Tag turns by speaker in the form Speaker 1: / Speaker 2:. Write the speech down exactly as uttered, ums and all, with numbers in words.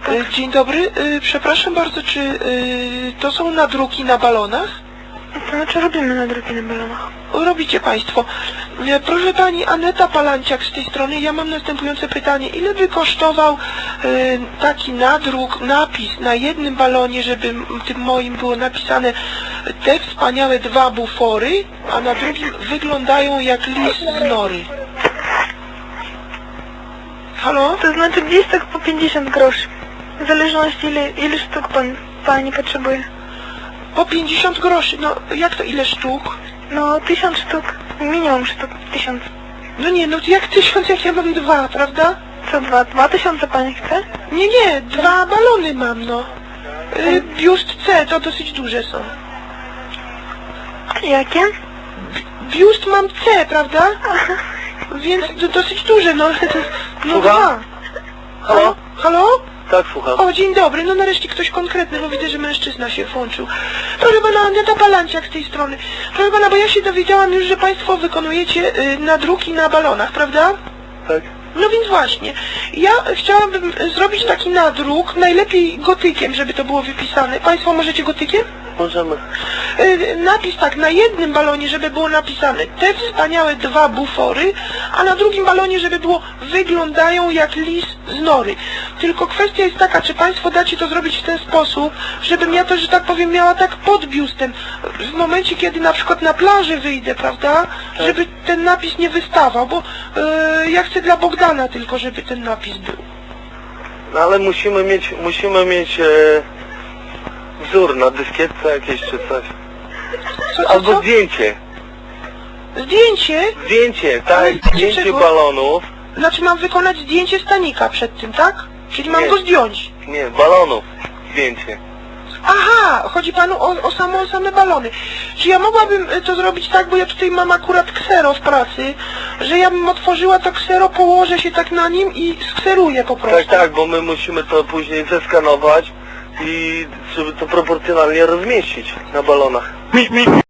Speaker 1: Tak. Dzień dobry, przepraszam bardzo, czy to są nadruki na balonach?
Speaker 2: To znaczy robimy nadruki na balonach.
Speaker 1: Robicie Państwo. Proszę Pani, Aneta Palanciak z tej strony, ja mam następujące pytanie. Ile by kosztował taki nadruk, napis na jednym balonie, żeby tym moim było napisane te wspaniałe dwa bufory, a na drugim wyglądają jak lis z nory? Halo?
Speaker 2: To znaczy gdzieś tak po pięćdziesiąt groszy. W zależności ile, ile sztuk pan, Pani potrzebuje.
Speaker 1: Po pięćdziesiąt groszy, no jak to ile sztuk?
Speaker 2: No tysiąc sztuk, minimum sztuk, tysiąc.
Speaker 1: No nie, no jak tysiąc, jak ja mam dwa, prawda?
Speaker 2: Co dwa? Dwa tysiące Pani chce?
Speaker 1: Nie, nie, dwa balony mam, no. Yy, biust C, to dosyć duże są.
Speaker 2: Jakie?
Speaker 1: Biust mam C, prawda? Więc do, dosyć duże, no. No
Speaker 3: Słucham?
Speaker 1: dwa.
Speaker 3: Halo?
Speaker 1: Halo?
Speaker 3: Tak, słucham.
Speaker 1: O, dzień dobry, no nareszcie ktoś konkretny, bo widzę, że mężczyzna się włączył. Proszę pana, Aneta Palanciak z tej strony. Proszę pana, bo ja się dowiedziałam już, że państwo wykonujecie y, nadruki na balonach, prawda?
Speaker 3: Tak.
Speaker 1: No więc właśnie, ja chciałabym zrobić taki nadruk, najlepiej gotykiem, żeby to było wypisane. Państwo możecie gotykiem?
Speaker 3: Możemy.
Speaker 1: Yy, napis tak, na jednym balonie, żeby było napisane te wspaniałe dwa bufory, a na drugim balonie, żeby było wyglądają jak lis z nory. Tylko kwestia jest taka, czy Państwo dacie to zrobić w ten sposób, żebym ja to, że tak powiem, miała tak pod biustem. W momencie, kiedy na przykład na plaży wyjdę, prawda,
Speaker 3: Tak.
Speaker 1: żeby ten napis nie wystawał, bo yy, ja chcę dla Bogdana tylko, żeby ten napis był.
Speaker 3: No ale musimy mieć, musimy mieć e, wzór na dyskietce jakieś czy coś.
Speaker 1: Co, co,
Speaker 3: Albo
Speaker 1: co?
Speaker 3: zdjęcie.
Speaker 1: Zdjęcie?
Speaker 3: Zdjęcie,
Speaker 1: Ale
Speaker 3: tak, zdjęcie
Speaker 1: dlaczego?
Speaker 3: balonów.
Speaker 1: Znaczy mam wykonać zdjęcie stanika przed tym, tak? Czyli mam
Speaker 3: Nie.
Speaker 1: go zdjąć.
Speaker 3: Nie, balonów. Zdjęcie.
Speaker 1: Aha, chodzi panu o, o, samo, o same balony. Czy ja mogłabym y, to zrobić tak, bo ja tutaj mam akurat ksero w pracy, że ja bym otworzyła to ksero, położę się tak na nim i skseruję po prostu.
Speaker 3: Tak, tak, bo my musimy to później zeskanować i żeby to proporcjonalnie rozmieścić na balonach.